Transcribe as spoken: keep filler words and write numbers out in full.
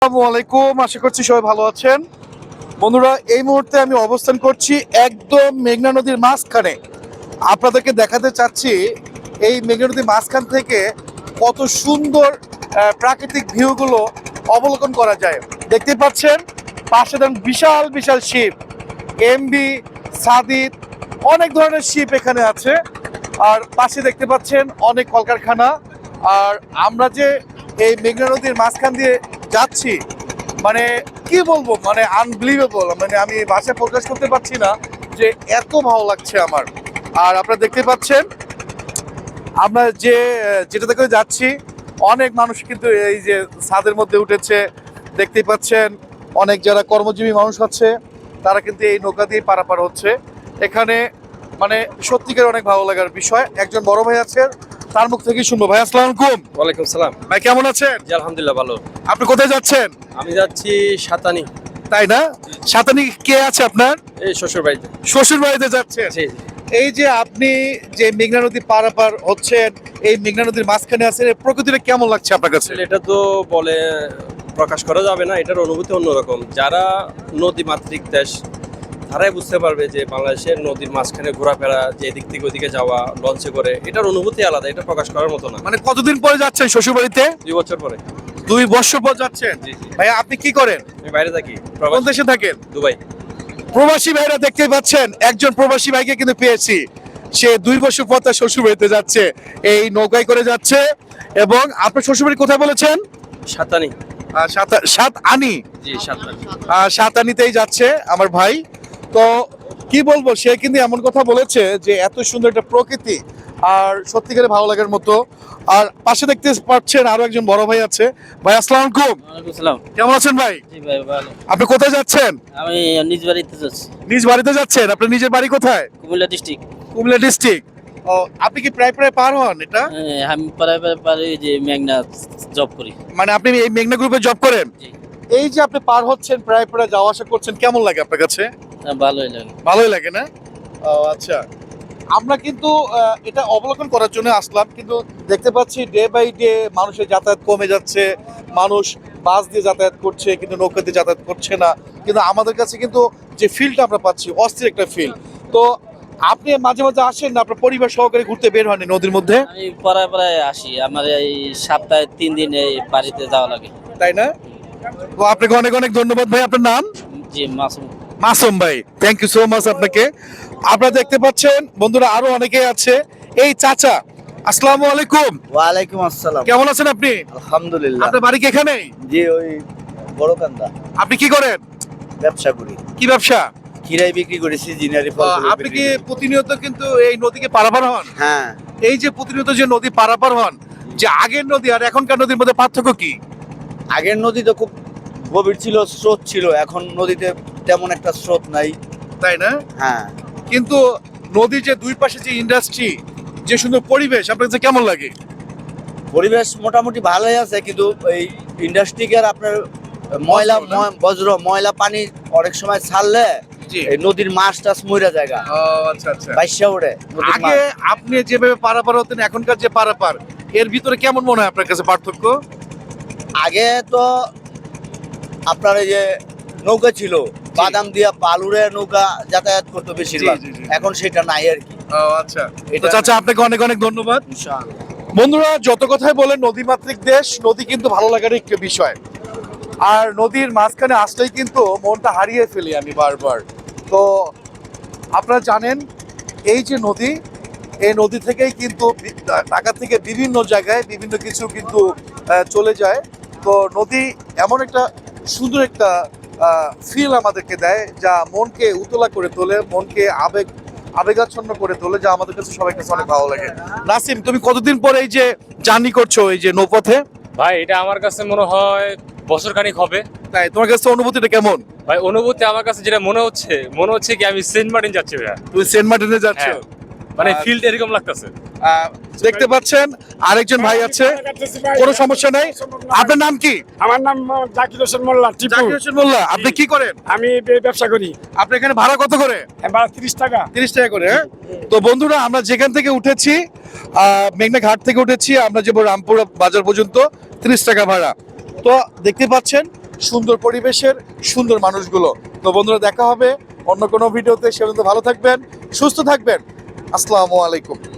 আসসালামু আলাইকুম, আশা করছি সবাই ভালো আছেন। বন্ধুরা, এই মুহূর্তে আমি অবস্থান করছি একদম মেঘনা নদীর মাঝখানে। আপনাদেরকে দেখাতে চাচ্ছি এই মেঘনা নদীর মাঝখান থেকে কত সুন্দর আহ, প্রাকৃতিক ভিউগুলো অবলোকন করা যায়। দেখতে পাচ্ছেন পাশে দেখুন বিশাল বিশাল শিপ, এমবি, সাদিত, অনেক ধরনের শিপ এখানে আছে। আর পাশে দেখতে পাচ্ছেন অনেক কলকারখানা। আর আমরা যে এই মেঘনা নদীর মাঝখান দিয়ে যাচ্ছি, মানে কি বলবো, মানে আনবিলিভেবল, মানে আমি ভাষায় প্রকাশ করতে পারছি না যে এত ভালো লাগছে আমার। আর আপনারা দেখতে পাচ্ছেন আমরা যে যেটাতে করে যাচ্ছি, অনেক মানুষ কিন্তু এই যে ছাদের মধ্যে উঠেছে। দেখতেই পাচ্ছেন অনেক যারা কর্মজীবী মানুষ আছে তারা কিন্তু এই নৌকা দিয়ে পারাপার হচ্ছে এখানে। মানে সত্যিকার অনেক ভালো লাগার বিষয়। একজন বড় ভাই আছে, তার মুখ থেকে শুনবো। ভাই আসসালামু আলাইকুম। ওয়ালাইকুম সালাম। ভাই কেমন আছেন? জি আলহামদুলিল্লাহ ভালো। আপনি কোথায় যাচ্ছেন? আমি যাচ্ছি সাতানি। তাই না? সাতানি কে আছে আপনার? এই শ্বশুর বাড়িতে। শ্বশুর বাড়িতে যাচ্ছেন? জি এই যে আপনি যে মেঘনা নদী পারাপার হচ্ছেন, এই মেঘনা নদীর মাঝখানে আছেন, এই প্রকৃতিটা কেমন লাগছে আপনার কাছে? আসলে এটা তো বলে প্রকাশ করা যাবে না, এটার অনুভূতি অন্যরকম। যারা নদী মাতৃক দেশ তারাই বুঝতে পারবে যে বাংলাদেশের নদীর মাঝখানে ঘোরাফেরা, যে এদিক থেকে ওইদিকে যাওয়া লঞ্চে করে, এটার অনুভূতি আলাদা, এটা প্রকাশ করার মতো না। মানে কতদিন পরে যাচ্ছেন শ্বশুর বাড়িতে? দুই বছর পরে। দুই বছর পর যাচ্ছেন? জি জি। ভাই আপনি কি করেন? আমি বাইরে থাকি। কোন প্রবাসী। দেশে থাকেন? দুবাই। প্রবাসী ভাইরা দেখতে পাচ্ছেন, একজন প্রবাসী ভাইকে কিন্তু পেয়েছি। সে দুই বছর পর তার শ্বশুর বাড়িতে যাচ্ছে, এই নৌকায় করে যাচ্ছে। এবং আপনার শ্বশুর বাড়ি কোথায় বলেছেন? সাতানি। আহ, সাত- সাত আনি। জি সাতানি। আহ, সাত আনিতেই যাচ্ছে আমার ভাই। তো কি বলবো, সে কিন্তু এমন কথা বলেছে যে এত সুন্দর একটা প্রকৃতি আর সত্যিকারে ভালো লাগার মতো। আর পাশে দেখতে পাচ্ছেন আরো একজন বড় ভাই আছে। ভাই আসসালামু আলাইকুম। ওয়ালাইকুম সালাম। কেমন আছেন ভাই? জি ভাই ভালো। আপনি কোথায় যাচ্ছেন? আমি নিজ বাড়িতে যাচ্ছি। নিজ বাড়িতে যাচ্ছেন? আপনার নিজের বাড়ি কোথায়? কুমিল্লা ডিস্ট্রিক্ট। কুমিল্লা ডিস্ট্রিক্ট। ও, আপনি কি প্রায় প্রায় পার হন এটা? আমি পাড়ায় পাড়ায় পাড়ায় যে মেঘনা জব করি। মানে আপনি এই মেঘনা গ্রুপে জব করেন? জি। এই যে আপনি পার হচ্ছেন, প্রায় প্রায় যাওয়া আসা করছেন, কেমন লাগে আপনার কাছে? হ্যাঁ, ভালোই লাগে। ভালোই লাগে না? ও আচ্ছা। আমরা কিন্তু আহ, এটা অবলোকন করার জন্য আসলাম, কিন্তু দেখতে পাচ্ছি ডে বাই ডে মানুষের যাতায়াত কমে যাচ্ছে। মানুষ বাস দিয়ে যাতায়াত করছে কিন্তু নৌকা দিয়ে যাতায়াত করছে না। কিন্তু আমাদের কাছে কিন্তু যে ফিলটা আমরা পাচ্ছি, অস্থির একটা ফিল। তো আপনি মাঝে মাঝে আসেন না আপনার পরিবার সহকারে ঘুরতে বের হন এই নদীর মধ্যে? আমি পাড়ায় পাড়ায় আসি। আমার এই সপ্তাহে তিন দিন এই বাড়িতে যাওয়া লাগে। তাই না? তো আপনাকে অনেক অনেক ধন্যবাদ ভাই। আপনার নাম? জি মাসুম। মাসুম ভাই, থ্যাংক ইউ সো মাচ আপনাকে। আপনারা দেখতে পাচ্ছেন বন্ধুরা, আরো অনেকে আছে। এই চাচা, আসসালামু আলাইকুম। ওয়ালাইকুম আসসালাম। কেমন আছেন আপনি? আলহামদুলিল্লাহ। আপনার বাড়ি কি এখানেই? জি ওই বড়কান্দা। আপনি কি করেন? ব্যবসা করি। কি ব্যবসা? খিরাই বিক্রি করি, সিজনারি ফল। আহ, আপনি কি প্রতিনিয়ত কিন্তু এই নদীকে পারাপার হন? হ্যাঁ। এই যে প্রতিনিয়ত যে নদী পারাপার হন, যে আগের নদী আর এখনকার নদীর মধ্যে পার্থক্য কি? আগের নদী তো খুব গভীর ছিল, স্রোত ছিল। এখন নদীতে তেমন একটা স্রোত নাই। তাই না? হ্যাঁ। কিন্তু নদীর যে দুই পাশে যে ইন্ডাস্ট্রি, যে সুন্দর পরিবেশ, আপনার কাছে কেমন লাগে? পরিবেশ মোটামুটি ভালোই আছে, কিন্তু এই ইন্ডাস্ট্রিকের আপনার ময়লা বজ্র না? ময়- বজ্র ময়লা পানি অনেক সময় ছাড়লে জি। এই নদীর মাছ টাছ মইরা জায়গা ও আচ্ছা আচ্ছা। বাইশা ওঠে নদীর আগে মাছ। আপনি যেভাবে পারাপার হতেন, এখনকার যে পারাপার, এর ভিতরে কেমন মনে হয় আপনার কাছে পার্থক্য? আগে তো আপনার এই যে নৌকা ছিল, বাদাম দিয়া বালুরে নৌকা যাতায়াত করতো বেশিরভাগ। জি, জি, জি। এখন সেটা নাই আর কি। ও আচ্ছা। তো এটা চাচা আপনাকে অনেক অনেক ধন্যবাদ। ইনশাআল্লাহ। বন্ধুরা, যত কথাই বলেন নদীমাতৃক দেশ, নদী কিন্তু ভালো লাগার একটা বিষয়। আর নদীর মাঝখানে আসলেই কিন্তু মনটা হারিয়ে ফেলি আমি বারবার। তো আপনারা জানেন এই যে নদী, এই নদী থেকেই কিন্তু বি- ঢাকা থেকে বিভিন্ন জায়গায় বিভিন্ন কিছু কিন্তু আহ, চলে যায়। তো নদী এমন একটা সুন্দর একটা ফিল আমাদেরকে দেয়, যা মনকে উতলা করে তোলে, মনকে আবেগ আবেগাচ্ছন্ন করে তোলে, যা আমাদের কাছে সবাই কাছে অনেক ভালো লাগে। নাসিম, তুমি কতদিন পরে এই যে জার্নি করছো এই যে নৌপথে? ভাই এটা আমার কাছে মনে হয় বছর খানিক হবে। তাই তোমার কাছে অনুভূতিটা কেমন? ভাই অনুভূতি আমার কাছে যেটা মনে হচ্ছে, মনে হচ্ছে কি আমি সেন্ট মার্টিন যাচ্ছি ভাইয়া। তুমি সেন্ট মার্টিনে যাচ্ছ? হ্যাঁ। মানে আর- ফিল্ড এরকম লাগতেছে। আহ, দেখতে পাচ্ছেন আরেকজন ভাই আছে, কোনো সমস্যা নাই। আপনার নাম কি? আমার নাম মোহাম্মদ জাকির হোসেন মোল্লা টিপু। জাকির হোসেন মোল্লা। আপনি কি করেন? আমি বে- ব্যবসা করি। আপনি এখানে ভাড়া কত করে? এবার তিরিশ টাকা। তিরিশ টাকা করে, হ্যাঁ? তো বন্ধুরা, আমরা যেখান থেকে উঠেছি, আহ, মেঘনা ঘাট থেকে উঠেছি, আমরা যাবো রামপুর বাজার পর্যন্ত, তিরিশ টাকা ভাড়া। তো দেখতে পাচ্ছেন সুন্দর পরিবেশের সুন্দর মানুষগুলো। তো বন্ধুরা, দেখা হবে অন্য কোনো ভিডিওতে। সে পর্যন্ত ভালো থাকবেন, সুস্থ থাকবেন। আসসালামু আলাইকুম।